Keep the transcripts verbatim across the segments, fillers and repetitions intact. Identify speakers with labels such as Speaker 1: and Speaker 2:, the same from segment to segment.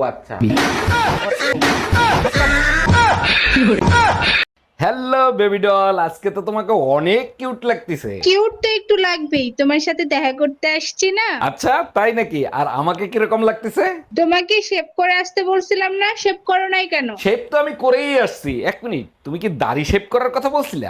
Speaker 1: বাচ্চা। Hello baby doll, আজকে তো তোমাকে অনেক কিউট লাগতেছে।
Speaker 2: কিউট তো একটু লাগবেই, তোমার সাথে দেখা করতে আসছি না।
Speaker 1: আচ্ছা তাই নাকি? আর আমাকে কিরকম লাগতেছে?
Speaker 2: তোমাকে শেভ করে আসতে বলছিলাম না, শেভ করো নাই কেন?
Speaker 1: শেভ তো আমি করেই আসছি। এক মিনিট, তুমি কি দাড়ি শেভ করার কথা বলছিলা?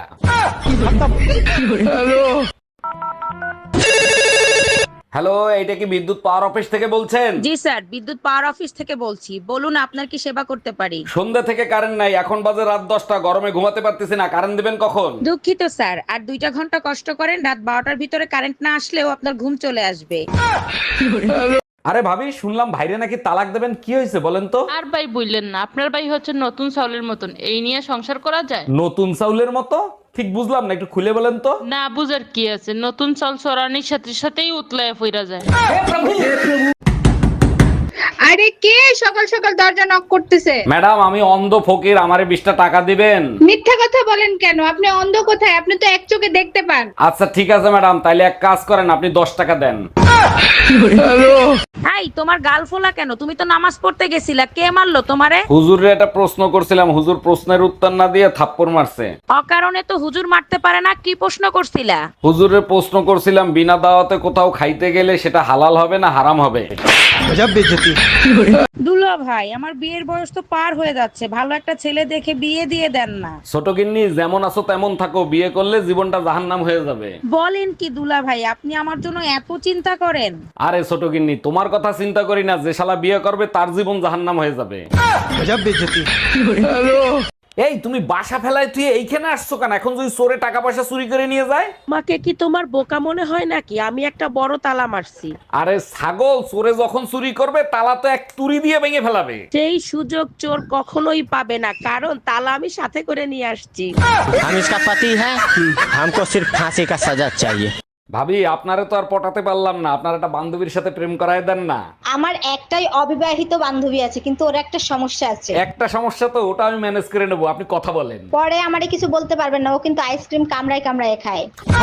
Speaker 1: হ্যালো, এটা কি বিদ্যুৎ পাওয়ার অফিস থেকে বলছেন?
Speaker 3: জি স্যার, বিদ্যুৎ পাওয়ার অফিস থেকে বলছি। বলুন আপনার কি সেবা করতে পারি?
Speaker 1: সন্ধ্যা থেকে কারেন্ট নাই, এখন বাজে রাত দশটা, গরমে ঘুমাতে পারতেছি না। কারেন্ট দিবেন কখন?
Speaker 3: দুঃখিত স্যার, আর দুইটা ঘন্টা কষ্ট করেন, রাত বারোটার ভিতরে কারেন্ট না আসলেও আপনার ঘুম চলে আসবে।
Speaker 1: আরে ভাবি, শুনলাম ভাইরে নাকি তালাক দেবেন, কি হয়েছে বলেন তো?
Speaker 4: আর ভাই বললেন না, আপনার ভাই হচ্ছে নতুন চাউলের মতন, এই নিয়ে সংসার করা যায়?
Speaker 1: নতুন চাউলের মতো? ঠিক বুঝলাম না, একটু খুলে বলেন তো।
Speaker 4: না বুঝার কি আছে, নতুন চাল চড়ানির সাথে সাথেই উতলায় ফিরা যায়।
Speaker 2: আরে কে সকাল সকাল দরজা নক করতেছে?
Speaker 1: ম্যাডাম, আমি অন্ধ ফকির, আমারে বিশটা টাকা দিবেন?
Speaker 2: মিথ্যা কথা বলেন কেন? আপনি অন্ধ কোথায়? আপনি তো এক চোখে দেখতে পান।
Speaker 1: আচ্ছা ঠিক আছে ম্যাডাম, তাইলে এক কাজ করেন, আপনি দশ টাকা দেন।
Speaker 3: এই তোমার গাল ফোলা কেন? তুমি তো নামাজ পড়তে গেছিলা, কে মারলো তোমারে?
Speaker 1: হুজুরে একটা প্রশ্ন করছিলাম, হুজুর প্রশ্নের উত্তর না দিয়ে থাপ্পড় মারছে।
Speaker 3: অকারণে তো হুজুর মারতে পারে না, কি প্রশ্ন করছিলা?
Speaker 1: হুজুরের প্রশ্ন করছিলাম, বিনা দাওয়াতে কোথাও খাইতে গেলে সেটা হালাল হবে না হারাম হবে?
Speaker 3: দুলা ভাই, আমার বিয়ের বয়স তো পার হয়ে যাচ্ছে, ভালো একটা ছেলে দেখে বিয়ে দিয়ে দেন না।
Speaker 1: ছোট গিন্নি, যেমন আছো তেমন থাকো, বিয়ে করলে জীবনটা জাহান্নাম হয়ে যাবে।
Speaker 3: বলেন কি দুলা ভাই, আপনি আমার জন্য এত চিন্তা করেন?
Speaker 1: আরে ছোট গিন্নি, তোমার কথা চিন্তা করি না, যে শালা বিয়ে করবে তার জীবন জাহান্নাম হয়ে যাবে। এই তুমি বাসা ফেলায় তুই এইখানে আসছো কেন? এখন যদি চোরে টাকা পয়সা চুরি করে নিয়ে যায়?
Speaker 3: আমাকে কি তোমার বোকা মনে হয় নাকি? আমি একটা বড় তালা মারছি।
Speaker 1: আরে ছাগল, চোরে যখন চুরি করবে তালা তো এক তুরি দিয়ে ভেঙে ফেলাবে।
Speaker 3: সেই সুযোগ চোর কখনোই পাবে না, কারণ তালা আমি সাথে করে নিয়ে আসছি।
Speaker 5: हम इसका पति है, हमको सिर्फ फांसी का सजा चाहिए।
Speaker 1: ভাবি, আপনারে তো আর পটাতে পারলাম না, আপনার একটা বান্ধবীর সাথে প্রেম করায় দেন না।
Speaker 6: আমার একটাই অবিবাহিত বান্ধবী আছে, কিন্তু ওর একটা সমস্যা আছে।
Speaker 1: একটা সমস্যা তো, ওটা আমি ম্যানেজ করে নেবো, আপনি কথা বলেন।
Speaker 6: পরে আমারে কিছু বলতে পারবেন না, ও কিন্তু আইসক্রিম কামড়ায় কামড়ায় খায়।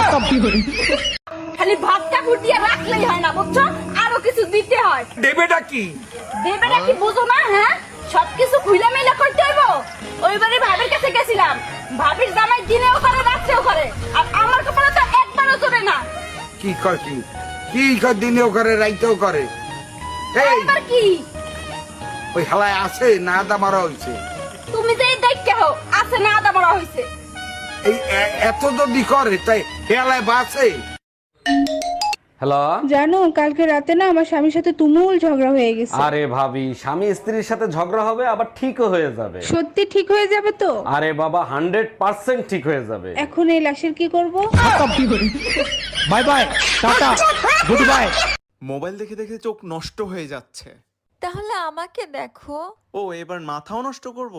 Speaker 7: খালি ভাতটা ফুটিয়ে রাখলেই হয় না, বুঝছো? আরো কিছু দিতে হয়।
Speaker 1: দেবেটা কি?
Speaker 7: দেবেটা কি বুঝো না? হ্যাঁ, সবকিছু খুইলা মেলা করতে হইব। ওইবারে ভাবির কাছে গেছিলাম, ভাবির জামাই দিনেও করে রাত্রেও করে, আর আমার কপালে তো একবারও চলে না।
Speaker 8: কি কয় কি কি কয়, দিনেও করে রাইতেও করে। এই
Speaker 7: এবার কি
Speaker 8: ওই হালায় আছে না আদা মারা হইছে?
Speaker 7: তুমি যে দেখতে হো আছে না আদা বড় হইছে?
Speaker 8: এই এ- এত যদি করে তাই হেলায় বাসে।
Speaker 1: হ্যালো।
Speaker 2: জানো, কালকে রাতে না আমার স্বামীর সাথে তুমুল ঝগড়া হয়ে গেছে।
Speaker 1: আরে ভাবি, স্বামী স্ত্রীর সাথে ঝগড়া হবে আবার ঠিকও হয়ে যাবে।
Speaker 2: সত্যি ঠিক হয়ে যাবে তো?
Speaker 1: আরে বাবা, হান্ড্রেড পার্সেন্ট ঠিক হয়ে যাবে।
Speaker 2: এখন এই লাশের কি করব?
Speaker 5: Bye bye tata good bye.
Speaker 9: Mobile দেখে দেখে চোখ নষ্ট হয়ে যাচ্ছে।
Speaker 10: তাহলে আমাকে দেখো।
Speaker 9: ও এবার মাথাও নষ্ট করব?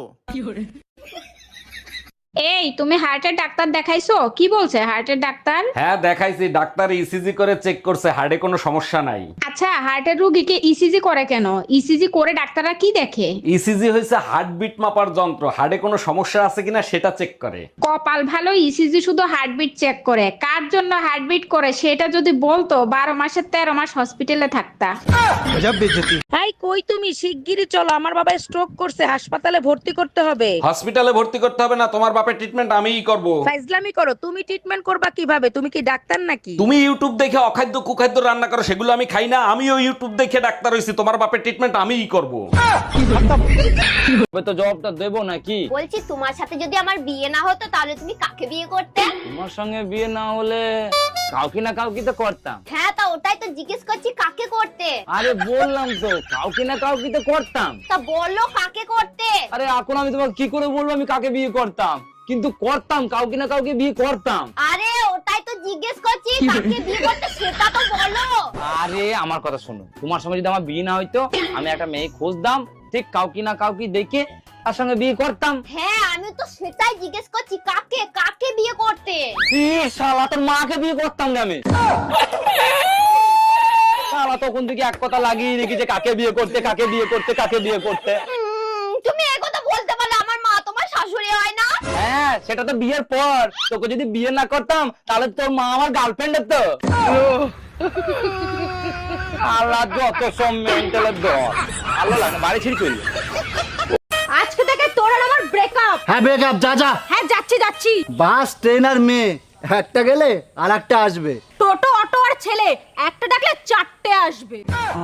Speaker 2: এই, তুমি হার্টের ডাক্তার দেখাইছো? কি বলছে হার্টের ডাক্তার?
Speaker 1: হ্যাঁ দেখাইছি, ডাক্তার ইসিজি করে চেক করছে, হার্টে কোনো সমস্যা নাই।
Speaker 2: আচ্ছা, হার্টের রোগীকে ইসিজি করে কেন? ইসিজি করে ডাক্তাররা কি দেখে?
Speaker 1: ইসিজি হয়েছে হার্টবিট মাপার যন্ত্র, হার্টে কোনো সমস্যা আছে কিনা সেটা চেক করে।
Speaker 2: কপাল ভালো, ইসিজি শুধু হার্টবিট চেক করে। কার জন্য হার্টবিট করে সেটা যদি বলতো, বারো মাসের তেরো মাস হসপিটালে থাকতা।
Speaker 3: এই কই তুমি? শিগগিরই চলো, আমার বাবা স্ট্রোক করছে, হাসপাতালে ভর্তি করতে হবে।
Speaker 1: হসপিটালে ভর্তি করতে হবে না, তোমার বাপের ট্রিটমেন্ট আমিই করব।
Speaker 3: ফাইজলামি করো? তুমি ট্রিটমেন্ট করবা কিভাবে? তুমি কি ডাক্তার নাকি?
Speaker 1: তুমি ইউটিউব দেখে অখাদ্য কুখাদ্য রান্না করো, সেগুলো আমি খাই না। আমিও ইউটিউব দেখে ডাক্তার হইছি, তোমার বাপের ট্রিটমেন্ট আমিই করব।
Speaker 5: তো জবাবটা দেবো নাকি?
Speaker 6: বলছি, তোমার সাথে যদি আমার বিয়ে না হতো তাহলে তুমি কাকে বিয়ে করতে?
Speaker 5: তোমার সঙ্গে বিয়ে না হলে কাউকে না কাউকে তো করতাম।
Speaker 6: হ্যাঁ, তা ওটাই তো জিজ্ঞেস করছি, কাকে করতে?
Speaker 5: আরে বললাম তো কাউকে না কাউকে তো করতাম।
Speaker 6: তা বললো কাকে করতে?
Speaker 5: আরে এখন আমি তোমাকে কি করে বলবো আমি কাকে বিয়ে করতাম? কিন্তু করতাম, কাউকে না কাউকে বিয়ে করতাম।
Speaker 6: আরে ওটাই তো জিজ্ঞেস করছি, কাকে বিয়ে করতে সেটা তো বলো।
Speaker 5: আরে আমার কথা শোনো, তোমার সঙ্গে যদি আমার বিয়ে না হইতো, আমি একটা মেয়ে খুঁজতাম, ঠিক কাউকে না কাউকে দেখে তার সঙ্গে বিয়ে করতাম।
Speaker 6: হ্যাঁ, আমি তো সেটাই জিজ্ঞেস করছি, কাকে কাকে বিয়ে করতে?
Speaker 5: ই শালা, তোর মাকে বিয়ে করতাম না আমি। শালা তখন থেকে এক কথা লাগিয়ে রেখেছে, কাকে বিয়ে করতে কাকে বিয়ে করতে কাকে বিয়ে করতে।
Speaker 6: উম, তুমি এই কথা বলতে পারলে, আমার মা তোমার শাশুড়ি হয় না?
Speaker 5: হ্যাঁ, সেটা তো বিয়ের পর। তোকে যদি বিয়ে না করতাম তাহলে তোর মা আমার গার্লফ্রেন্ড হতো। আল্লাহ যত সব মেন্টালের দর আল্লাহ লাগে বাড়ি ছিড়ি চলল।
Speaker 7: আজকে থেকে তোর আর আমার ব্রেকআপ।
Speaker 11: হ্যাঁ ব্রেকআপ, যা যা।
Speaker 7: হ্যাঁ যাচ্ছি যাচ্ছি।
Speaker 11: বাস ট্রেন আর মেয়ে, একটা গেলে আর একটা আসবে।
Speaker 7: টোটো অটো আর ছেলে, একটা ডাকলে চারটে আসবে।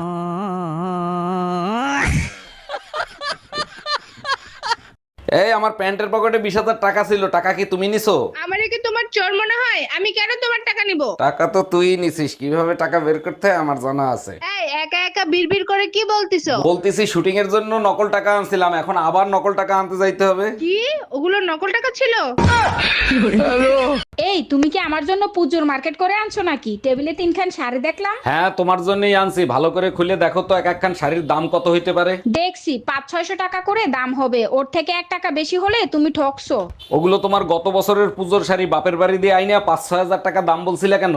Speaker 1: এই আমার প্যান্টের পকেটে বিশ হাজার টাকা ছিল, টাকা কি তুমি নিছো?
Speaker 2: আমারে কি তোমার চোর মনে হয়? আমি কেন তোমার টাকা নিব?
Speaker 1: টাকা তো তুই নিছিস, কিভাবে টাকা বের করতে হয় আমার জানা আছে।
Speaker 2: এই একা একা বিড়বিড় করে কি বলতিছো?
Speaker 1: বলতেছি শুটিং এর জন্য নকল টাকা আনছিলাম, এখন আবার নকল টাকা আনতে যাইতে হবে।
Speaker 2: কি ওগুলো নকল টাকা ছিল? এই তুমি কি আমার জন্য পুজোর মার্কেট করে আনছো নাকি? টেবিলে তিনখান শাড়ি দেখলাম।
Speaker 1: হ্যাঁ তোমার জন্যই আনছি, ভালো করে খুলে দেখো তো এক একখান শাড়ির দাম কত হইতে পারে।
Speaker 2: দেখছি পাঁচ ছয়শো টাকা করে দাম হবে, ওর থেকে এক টাকা বেশি হলে তুমি ঠকছো।
Speaker 1: ওগুলো তোমার গত বছরের পুজোর শাড়ি, বাপের বাড়ি দিয়ে আইনা পাঁচ ছয় হাজার টাকা দাম বলছিলে কেন?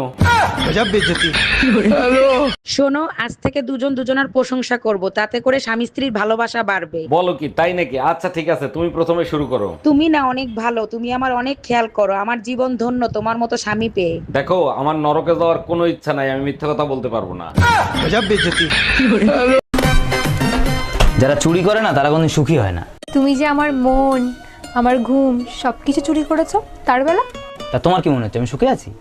Speaker 3: শোনো, আজ থেকে দুজন দুজনের প্রশংসা করব, তাতে করে স্বামী স্ত্রীর ভালোবাসা বাড়বে।
Speaker 1: বলো কি, তাই নাকি? আচ্ছা ঠিক আছে, তুমি প্রথমে শুরু করো।
Speaker 3: তুমি না অনেক ভালো, তুমি আমার অনেক খেয়াল করো, আমার জীবন ধন্য তোমার মতো স্বামী পেয়ে।
Speaker 1: দেখো আমার নরকে যাওয়ার কোনো ইচ্ছা নাই, আমি মিথ্যা কথা বলতে পারবো না।
Speaker 5: যারা চুরি করে না তারা কোনদিন সুখী হয় না।
Speaker 10: তুমি যে আমার মন, আমার ঘুম সবকিছু চুরি করেছো তার বেলা।
Speaker 5: তা তোমার কি মনে হচ্ছে আমি সুখে আছি?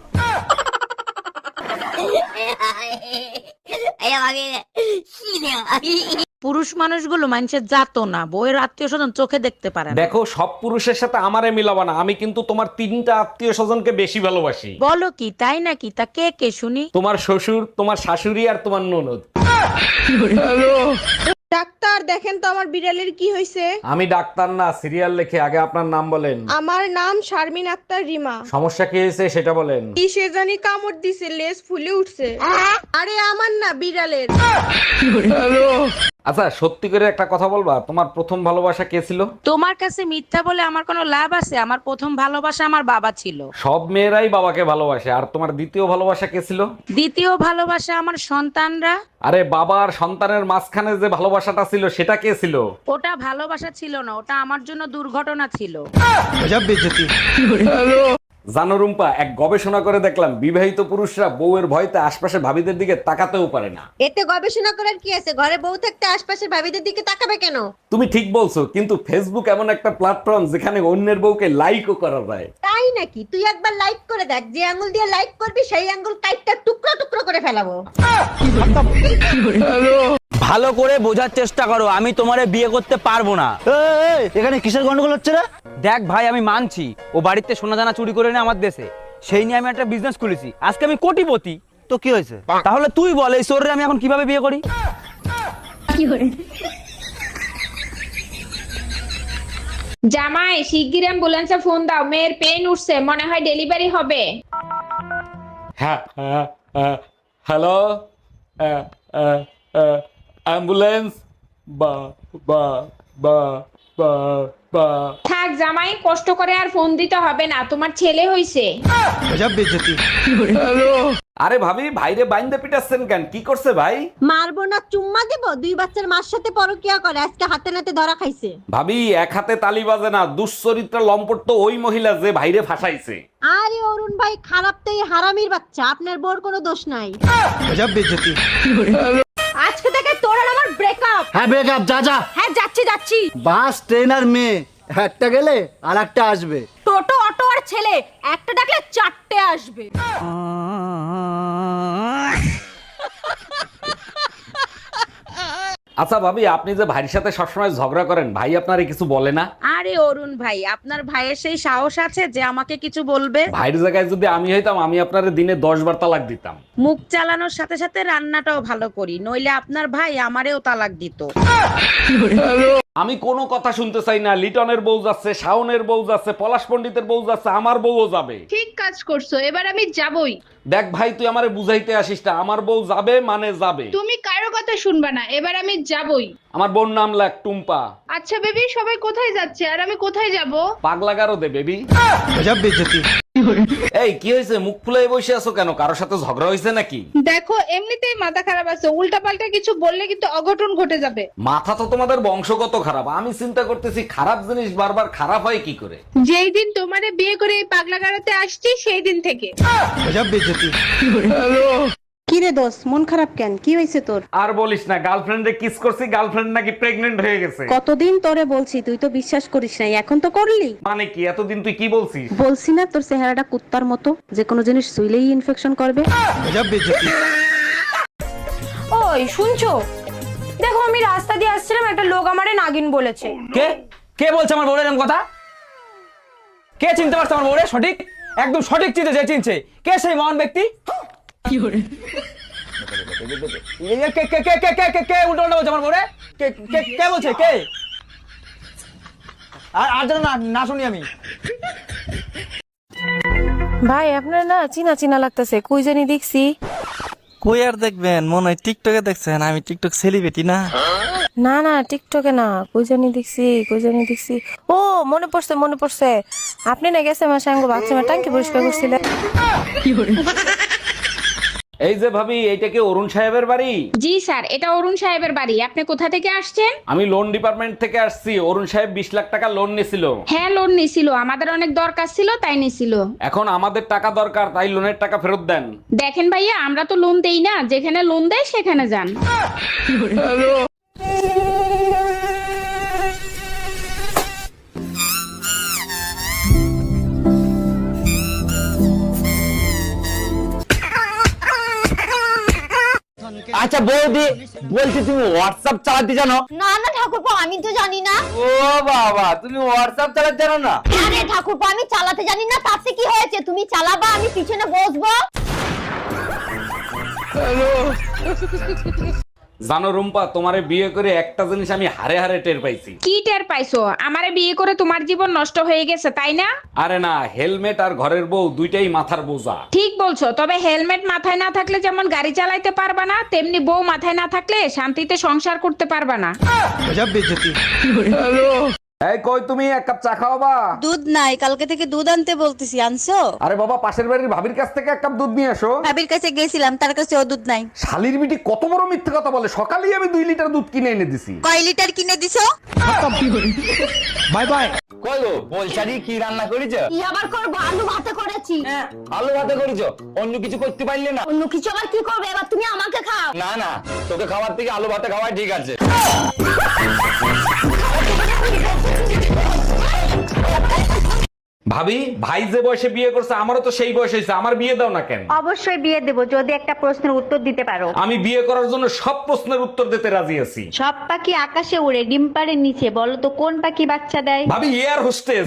Speaker 3: পুরুষ মানুষগুলো মানুষের জাতো না, বউয়ের আত্মীয় স্বজন চোখে দেখতে পারে না।
Speaker 1: দেখো সব পুরুষের সাথে আমারে মিলাবা না, আমি কিন্তু তোমার তিনটা আত্মীয় স্বজনকে বেশি ভালোবাসি।
Speaker 3: বলো কি, তাই নাকি? তা কে কে শুনি?
Speaker 1: তোমার শ্বশুর, তোমার শাশুড়ি আর তোমার ননদ।
Speaker 7: ডাক্তার দেখেন তো আমার বিড়ালের কি হয়েছে।
Speaker 1: আমি ডাক্তার না, সিরিয়াল লেখে। আগে আপনার নাম বলেন।
Speaker 7: আমার নাম শারমিন আক্তার রিমা।
Speaker 1: সমস্যা কি হয়েছে সেটা বলেন।
Speaker 7: কি সে জানি কামড় দিছে, লেজ ফুলে উঠছে। আরে আমার না, বিড়ালের।
Speaker 1: আচ্ছা সত্যি করে একটা কথা বলবা, তোমার প্রথম ভালোবাসা কে ছিল?
Speaker 3: তোমার কাছে মিথ্যা বলে আমার কোনো লাভ আছে? আমার প্রথম ভালোবাসা আমার বাবা ছিল।
Speaker 1: সব মেয়েরাই বাবাকে ভালোবাসে। আর তোমার দ্বিতীয় ভালোবাসা কে ছিল?
Speaker 3: দ্বিতীয় ভালোবাসা আমার সন্তানরা।
Speaker 1: আরে বাবা আর সন্তানের মাঝখানে যে ভালোবাসাটা ছিল সেটা কে ছিল?
Speaker 3: ওটা ভালোবাসা ছিল না, ওটা আমার জন্য দুর্ঘটনা ছিল।
Speaker 1: জানো রুম্পা, এক গবেষণা করে দেখলাম বিবাহিত পুরুষরা বউয়ের ভয়তে আশপাশে ভাবিদের দিকে তাকাতেও পারে না।
Speaker 6: এতে গবেষণা করার কি আছে? ঘরে বউ থাকতে আশপাশের ভাবিদের দিকে তাকাবে কেন?
Speaker 1: তুমি ঠিক বলছো, কিন্তু ফেসবুক এমন একটা প্ল্যাটফর্ম যেখানে অন্যের বউকে লাইকও করা যায়।
Speaker 6: তাই নাকি? তুই একবার লাইক করে দেখ, যে আঙ্গুল দিয়ে লাইক করবি সেই আঙ্গুল কাইটটা টুকরো টুকরো করে ফেলাবো।
Speaker 5: ভালো করে বোঝার চেষ্টা করো, আমি তোমারে বিয়ে করতে পারবো না।
Speaker 11: এই, এখানে কিসের গন্ডগোল হচ্ছে রে?
Speaker 5: দেখ ভাই, আমি মানছি ও বাড়িতে সোনা দানা চুরি করে নেয় আমার দেশে, সেই নিয়ে আমি একটা বিজনেস খুলেছি, আজকে আমি কোটিপতি।
Speaker 11: তো কি হয়েছে?
Speaker 5: তাহলে তুই বল এই চোররে আমি এখন কিভাবে বিয়ে করি?
Speaker 2: জামাই শিগগির অ্যাম্বুলেন্সে ফোন দাও, মেয়ের পেন উঠছে, মনে হয় ডেলিভারি হবে।
Speaker 1: হ্যাঁ হ্যালো, অ্যাম্বুলেন্স। বা বা বা বা বা
Speaker 2: থাক জামাই, কষ্ট করে আর ফোন দিতে হবে না, তোমার ছেলে হইছে।
Speaker 1: আরে ভাবি, ভাইরে বাইন্দে পিটাচ্ছেন কেন? কি করছে ভাই?
Speaker 6: মারবো না, চুম্মা দেবো? দুই বাচ্চার মার সাথে পরকিয়া করে, আজকে হাতে নাতে ধরা খাইছে।
Speaker 1: ভাবি এক হাতে তালি বাজে না, দুশ্চরিত্রা লম্পট তো ওই মহিলা যে ভাইরে ফাঁসাইছে।
Speaker 6: আরে অরুণ ভাই, খারাপ তো এই হারামির বাচ্চা, আপনার বোর কোনো দোষ নাই।
Speaker 7: আজকে থেকে তোর আর আমার ব্রেকআপ।
Speaker 11: হ্যাঁ ব্রেকআপ, যা যা।
Speaker 7: হ্যাঁ যাচ্ছি যাচ্ছি।
Speaker 11: বাস ট্রেন আর মেয়ে, একটা গেলে আর একটা আসবে।
Speaker 7: টোটো অটো আর ছেলে, একটা ডাকলে চারটে আসবে।
Speaker 1: আচ্ছা ভাবি, আপনি যে ভাইয়ের সাথে সবসময় ঝগড়া করেন, ভাই আপনারে কিছু বলে না?
Speaker 3: আরে অরুণ ভাই, আপনার ভাইয়ের সেই সাহস আছে যে আমাকে কিছু বলবে?
Speaker 1: ভাইয়ের জায়গায় যদি আমি হইতাম, আমি আপনারে দিনে দশ বার তালাক দিতাম।
Speaker 3: মুখ চালানোর সাথে সাথে রান্নাটাও ভালো করি, নইলে আপনার ভাই আমারেও তালাক দিত।
Speaker 1: আমি কোনো কথা শুনতে চাই না। লিটনের বউ যাচ্ছে, শাওনের বউ যাচ্ছে, পলাশ পণ্ডিতের বউ যাচ্ছে, আমার বউও যাবে।
Speaker 2: ঠিক কাজ করছো, এবার আমি যাবই।
Speaker 1: দেখ ভাই, তুই আমারে বুঝাইতে আসিস না, আমার বউ যাবে মানে যাবে।
Speaker 2: তুমি কারো কথা শুনবা না, এবার আমি যাবই।
Speaker 1: আমার বোন নাম লাগ টুম্পা।
Speaker 2: আচ্ছা বেবি, সবাই কোথায় যাচ্ছে আর আমি কোথায় যাব?
Speaker 1: পাগলা গারো দে বেবি। এই কি হয়েছে, মুখ ফুলাই বসে আছো কেন? কারোর সাথে ঝগড়া হয়েছে নাকি?
Speaker 2: দেখো এমনিতেই মাথা খারাপ আছে, উল্টা পাল্টা কিছু বললে কিন্তু অঘটন ঘটে যাবে।
Speaker 1: মাথা তো তোমাদের বংশগত খারাপ। আমি চিন্তা করতেছি খারাপ জিনিস বারবার খারাপ হয় কি করে।
Speaker 2: যেই দিন তোমারে বিয়ে করে এই পাগলা গাড়াতে আসছি সেই দিন থেকে।
Speaker 6: কি রে দোস্ত, মন খারাপ কেন? কি হয়েছে তোর?
Speaker 1: আর বলিস না, গার্লফ্রেন্ডে কিস করছি, গার্লফ্রেন্ড নাকি প্রেগনেন্ট হয়ে গেছে।
Speaker 6: কতদিন তোরে বলছি, তুই তো বিশ্বাস করিস নাই, এখন তো করলি।
Speaker 1: মানে কি, এতদিন তুই কি বলছিস?
Speaker 6: বলছি না তোর চেহারাটা কুত্তার মতো, যে কোনো জিনিস শুইলেই ইনফেকশন করবে।
Speaker 10: ওই শুনছো, দেখো আমি রাস্তা দিয়ে আসছিলাম, একটা লোক আমারে নাগিন বলেছে।
Speaker 5: কে কে বলছে আমার বউরের এরকম কথা? কে চিনতে পারছে আমার বউরে? সঠিক, একদম সঠিক চিনতে যে চিনছে। কে সেই মহান ব্যক্তি? কি করে কে কে কে কে কে কে কে উল্টো উল্টো বলছে আমার বউরে? কে কে কে বলছে? কে? আর আর যেন না না শুনি আমি।
Speaker 10: ভাই আপনার না চিনা চিনা লাগতেছে, কই জানি দেখছি।
Speaker 11: কই আর দেখবেন, মনে হয় টিকটকে দেখছেন। আমি টিকটক সেলিব্রিটি না।
Speaker 10: না না টিকটকে না, কই জানি দেখছি, কই জানি দেখছি। ও মনে পড়ছে মনে পড়ছে, আপনি না গেছে আমার সঙ্গে বাথরুমে টাঙ্কি পরিষ্কার করছিলেন।
Speaker 1: এই যে ভাবি, এইটা কি অরুণ সাহেবের বাড়ি?
Speaker 2: জি স্যার, এটা অরুণ সাহেবের বাড়ি। আপনি কোথা থেকে আসছেন?
Speaker 1: আমি লোন ডিপার্টমেন্ট থেকে আসছি। অরুণ সাহেব বিশ লাখ টাকা লোন নিছিল।
Speaker 2: হ্যাঁ লোন নিছিল, আমাদের অনেক দরকার ছিল তাই নিছিল।
Speaker 1: এখন আমাদের টাকা দরকার, তাই লোনের টাকা ফেরত দেন।
Speaker 2: দেখেন ভাইয়া, আমরা তো লোন দেই না, যেখানে লোন দেয় সেখানে যান।
Speaker 5: আচ্ছা বৌদি, বলছি তুমি হোয়াটসঅ্যাপ চালাতে জানো?
Speaker 7: না না ঠাকুরপো, আমি তো জানি না।
Speaker 5: ও বাবা, তুমি হোয়াটসঅ্যাপ চালাতে জানো না?
Speaker 7: আরে ঠাকুরপো, আমি চালাতে জানি না, তাতে কি হয়েছে? তুমি চালাবা, আমি পিছনে বসবো।
Speaker 1: জানো রুম্পা, তোমারে বিয়ে করে একটা জিনিস আমি হারে হারে টের পাইছি।
Speaker 2: কি টের পাইছো? আমারে বিয়ে করে তোমার জীবন নষ্ট হয়ে গেছে তাই না?
Speaker 1: আরে না, হেলমেট আর ঘরের বউ দুইটাই মাথার বোঝা।
Speaker 2: ঠিক বলছো, তবে হেলমেট মাথায় না থাকলে যেমন গাড়ি চালাইতে পারবা না, তেমনি বউ মাথায় না থাকলে শান্তিতে সংসার করতে পারবা না।
Speaker 1: এই কই তুমি, এক কাপ চা খাওয়াবা?
Speaker 7: দুধ নাই, কালকে থেকে দুধ আনতে বলতেছি, আনছো?
Speaker 1: আরে বাবা, পাশের বাড়ির ভাবির কাছ থেকে এক কাপ দুধ নিয়ে এসো।
Speaker 7: ভাবির কাছে গেছিলাম, তার কাছে ও দুধ নাই।
Speaker 1: শালির বিটি কত বড় মিথ্যে কথা বলে, সকালেই আমি দুই লিটার দুধ কিনে এনে দিছি।
Speaker 7: কয় লিটার কিনে দিছো?
Speaker 5: Bye bye. কই গো, বলছারি কি রান্না করেছো?
Speaker 7: কি আবার করবো, আলু ভাতে করেছি।
Speaker 5: হ্যাঁ, আলু ভাতে করেছো, অন্য কিছু করতে পারলে না?
Speaker 7: অন্য কিছু আবার কি করবে? এবার তুমি আমাকে খাও।
Speaker 5: না না, তোকে খাওয়ার থেকে আলু ভাতে খাওয়াই ঠিক আছে।
Speaker 1: ভাবি, ভাই যে বয়সে বিয়ে করছে আমারও তো সেই বয়স হয়েছে, আমার বিয়ে দাও না কেন?
Speaker 6: অবশ্যই বিয়ে দেবো যদি একটা প্রশ্নের উত্তর দিতে পারো।
Speaker 1: আমি বিয়ে করার জন্য সব প্রশ্নের উত্তর দিতে রাজি আছি।
Speaker 6: সব পাখি আকাশে উড়ে, ডিম পাড়ের নিচে, বলো তো কোন পাখি বাচ্চা দেয়?
Speaker 1: ভাবি, এয়ার হোস্টেস।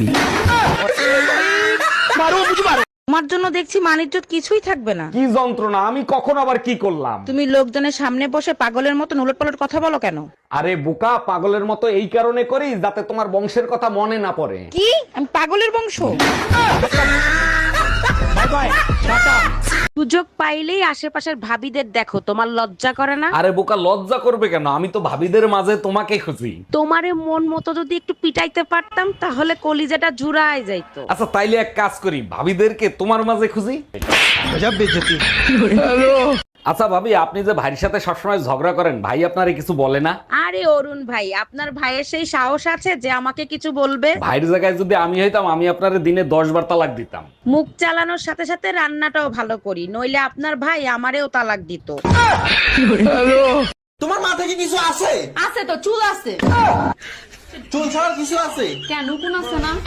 Speaker 3: তোমার জন্য দেখছি মানিজ্জত কিছুই থাকবে না।
Speaker 1: কি যন্ত্রণা, আমি কখন আবার কি করলাম?
Speaker 3: তুমি লোকজনের সামনে বসে পাগলের মতো উলটপালট কথা বলো কেন?
Speaker 1: আরে বোকা, পাগলের মতো এই কারণে করি যাতে তোমার বংশের কথা মনে না পড়ে।
Speaker 3: কি আমি পাগলের বংশ? সুযোগ পাইলেই আশেপাশের ভাবিদের দেখো, তোমার লজ্জা করে না?
Speaker 1: আরে বোকা, লজ্জা করবে কেন? আমি তো ভাবিদের মাঝে তোমাকে খুঁজি।
Speaker 3: তোমারে মন মতো যদি একটু পিটাইতে পারতাম তাহলে কলিজাটা জুড়ায় যাইতো।
Speaker 1: আচ্ছা তাইলে এক কাজ করি, ভাবিদেরকে তোমার মাঝে খুঁজি। আচ্ছা ভাবি, আপনি যে ভাইয়ের সাথে সবসময় ঝগড়া করেন, ভাই আপনারে কিছু বলে না?
Speaker 3: আরে অরুণ ভাই, আপনার ভাইয়ের সেই সাহস আছে যে আমাকে কিছু বলবে?
Speaker 1: ভাইয়ের জায়গায় যদি আমি হইতাম, আমি আপনারে দিনে দশ বার তালাক দিতাম।
Speaker 3: মুখ চালানোর সাথে সাথে রান্নাটাও ভালো করি, নইলে আপনার ভাই আমারেও তালাক দিত।
Speaker 9: তোমার মাথায় কি কিছু আছে?
Speaker 7: আছে তো, চুল আছে।
Speaker 9: চুল ছাড়ার কিছু আছে?
Speaker 7: কেন, কোন আছে না?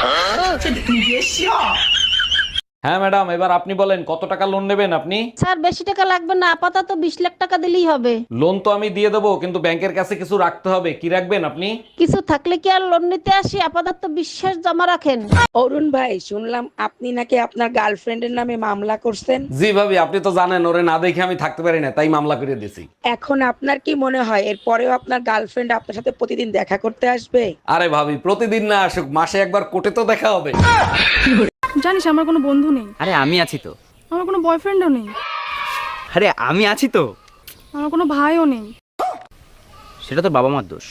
Speaker 1: হ্যাঁ ম্যাডাম, এবার আপনি বলেন কত টাকা লোন নেবেন আপনি?
Speaker 7: স্যার বেশি টাকা লাগবে না, আপাতত বিশ লাখ টাকা দিলেই হবে।
Speaker 1: লোন তো আমি দিয়ে দেবো, কিন্তু ব্যাংকের কাছে কিছু রাখতে হবে। কি রাখবেন আপনি?
Speaker 7: কিছু থাকলে কি আর লোন নিতে আসি? আপাতত বিশ্বাস জমা রাখেন।
Speaker 3: অরুণ ভাই, শুনলাম আপনি নাকি আপনার গার্লফ্রেন্ডের নামে মামলা করছেন।
Speaker 1: জি ভাবি, আপনি তো জানেন ওরে না দেখে আমি থাকতে পারি না, তাই মামলা করে দিয়েছি।
Speaker 3: এখন আপনার কি মনে হয় এরপরেও আপনার গার্লফ্রেন্ড আপনার সাথে প্রতিদিন দেখা করতে আসবে?
Speaker 1: আরে ভাবি, প্রতিদিন না আসুক, মাসে একবার কোর্টে তো দেখা হবে।
Speaker 10: জানিস আমার কোনো বন্ধু নেই।
Speaker 11: আরে আমি আছি তো।
Speaker 10: আমার কোনো বয়ফ্রেন্ডও নেই।
Speaker 11: আরে আমি আছি তো।
Speaker 10: আমার কোনো ভাইও নেই।
Speaker 11: সেটা তো বাবা মার দোষ।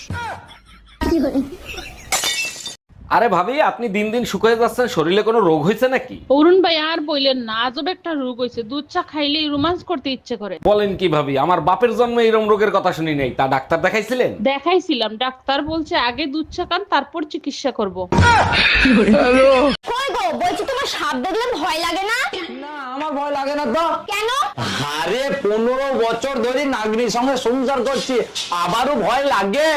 Speaker 1: আরে ভাবি, আপনি দিন দিন শুকিয়ে যাচ্ছেন, শরীরে কোনো রোগ হয়েছে নাকি?
Speaker 4: অরুণ ভাই আর বললেন না, আজব একটা রোগ হয়েছে, দুধ চা খাইলেই রোমান্স করতে ইচ্ছে করে।
Speaker 1: বলেন কি ভাবি, আমার বাপের জন্মে এরকম রোগের কথা শুনি নাই। তা ডাক্তার দেখাইছিলেন?
Speaker 4: দেখাইছিলাম, ডাক্তার বলছে আগে দুধ চা খান, তারপর চিকিৎসা করব।
Speaker 7: কই গো, বলছি তোমার সাপ দেখলে ভয় লাগে না?
Speaker 5: না আমার ভয় লাগে না তো।
Speaker 7: কেন?
Speaker 5: আরে পনেরো বছর ধরে নাগরির সঙ্গে সংসার করছি, আবারও ভয় লাগে।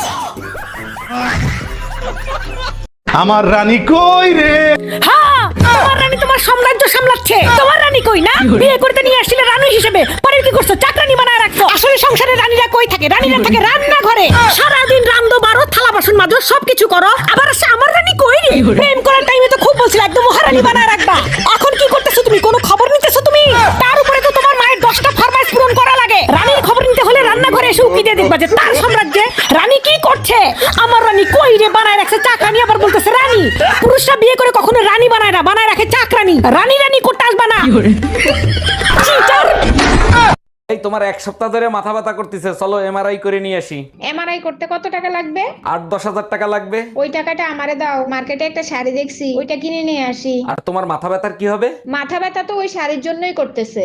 Speaker 9: আমার রানী কই রে?
Speaker 3: হ্যাঁ, তোমার রানী তোমার সাম্রাজ্য সামলাচ্ছে। তোমার রানী কই না? বিয়ে করতে নিয়ে আসছিলে রানী হিসেবে, পরে কি করছো? চাকরানি বানায় রাখছো। আসলে সংসারে রানীরা কই থাকে? রানীরা থাকে রান্না ঘরে। সারাদিন রান্ধো, বারো থালা বাসন মাজো, সবকিছু করো, আবার আসে আমার রানী কই রে? প্রেম করার টাইমে তো খুব বলছিল একদম মহারানী বানায় রাখবা। এখন কি করতেছো তুমি? কোনো খবর নিতেছো তুমি? তার উপরে তো তোমার মায়ের দশটা ফরমাইশ পূরণ করা লাগে। রানীর খবর নিতে হলে রান্নাঘরে এসে উকি দিয়ে দেখবা যে তার সাম্রাজ্যে রানী কি করছে। আমার রানী কই রে বানায় রাখছে চাকরানি, আবার বলতেছে রানী। পুরুষরা বিয়ে করে কখনো রানী বানায় না, বানায় রাখে চাকরানি। রানী রানী করতে আসবা না। চিটার।
Speaker 1: এই তোমার এক সপ্তাহ ধরে মাথা ব্যথা করতেছে, চলো এমআরআই করে নিয়ে আসি।
Speaker 2: এমআরআই করতে কত টাকা লাগবে?
Speaker 1: আট দশ হাজার টাকা লাগবে।
Speaker 2: ওই টাকাটা আমারে দাও, মার্কেটে একটা শাড়ি দেখছি, ওইটা কিনে নিয়ে আসি।
Speaker 1: আর তোমার মাথা ব্যথার কি হবে?
Speaker 2: মাথা ব্যথা তো ওই শাড়ির জন্যই করতেছে।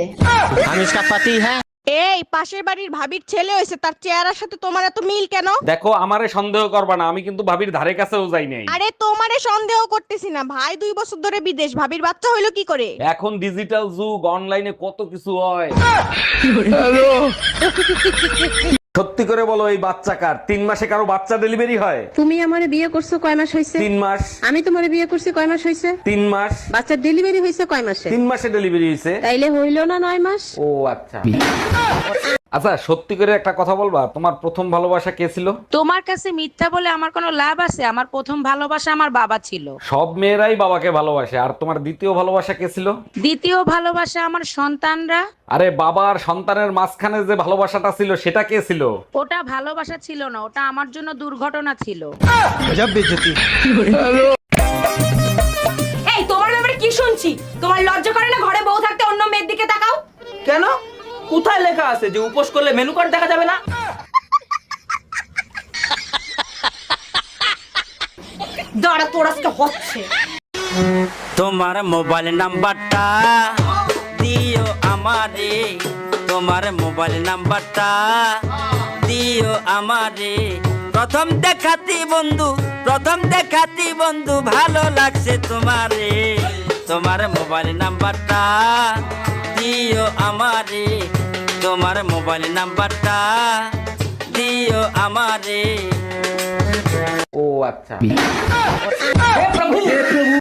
Speaker 7: এই পাশের বাড়ির ভাবির ছেলে হয়েছে, তার চেহারার সাথে তোমার এত মিল কেন?
Speaker 1: দেখো আমারে সন্দেহ করবা না, আমি কিন্তু ভাবির ধারে কাছেও যাই নাই।
Speaker 7: আরে তোমারে সন্দেহ করতেছি না, ভাই দুই বছর ধরে বিদেশ, ভাবির বাচ্চা হইলো কি করে?
Speaker 1: এখন ডিজিটাল যুগ, অনলাইনে কত কিছু হয়। সত্যি করে বলো, এই বাচ্চা কার? তিন মাসে কারো বাচ্চা ডেলিভারি হয়?
Speaker 10: তুমি আমারে বিয়ে করছো কয় মাস হইছে?
Speaker 1: তিন মাস।
Speaker 10: আমি তোমারে বিয়ে করছি কয় মাস হইছে?
Speaker 1: তিন মাস।
Speaker 10: বাচ্চার ডেলিভারি হইছে কয় মাসে?
Speaker 1: তিন মাসে ডেলিভারি হয়েছে।
Speaker 10: তাইলে হইলো না নয় মাস?
Speaker 1: ও আচ্ছা। আচ্ছা সত্যি করে একটা কথা বলবা, তোমার প্রথম ভালোবাসা কে ছিল?
Speaker 3: তোমার কাছে মিথ্যা বলে আমার কোনো লাভ আছে? আমার প্রথম ভালোবাসা আমার বাবা ছিল।
Speaker 1: সব মেয়েরাই বাবাকে ভালোবাসে। আর তোমার দ্বিতীয় ভালোবাসা কে ছিল?
Speaker 3: দ্বিতীয় ভালোবাসা আমার সন্তানরা।
Speaker 1: আরে বাবা আর সন্তানের মাঝখানে যে ভালোবাসাটা ছিল সেটা কে ছিল?
Speaker 3: ওটা ভালোবাসা ছিল না, ওটা আমার জন্য দুর্ঘটনা ছিল।
Speaker 7: এই তোমার ব্যাপারে কি শুনছি? তোমার লজ্জা করে না ঘরে বউ থাকতে অন্য মেয়ের দিকে তাকাও?
Speaker 5: কেন? কোথায় লেখা আছে যে উপোস করলে মেনু কার্ড দেখা যাবে না?
Speaker 7: দাঁড়া তোর আজকে হচ্ছে।
Speaker 11: তোমার মোবাইল নাম্বারটা দিও আমারে, তোমার মোবাইল নাম্বারটা দিও আমারে। প্রথম দেখাতি বন্ধু, প্রথম দেখাতি বন্ধু ভালো লাগছে তোমারে। তোমার মোবাইল নাম্বারটা দিও আমারে, তোমার মোবাইল নাম্বারটা দিও আমারে।
Speaker 1: ও আচ্ছা।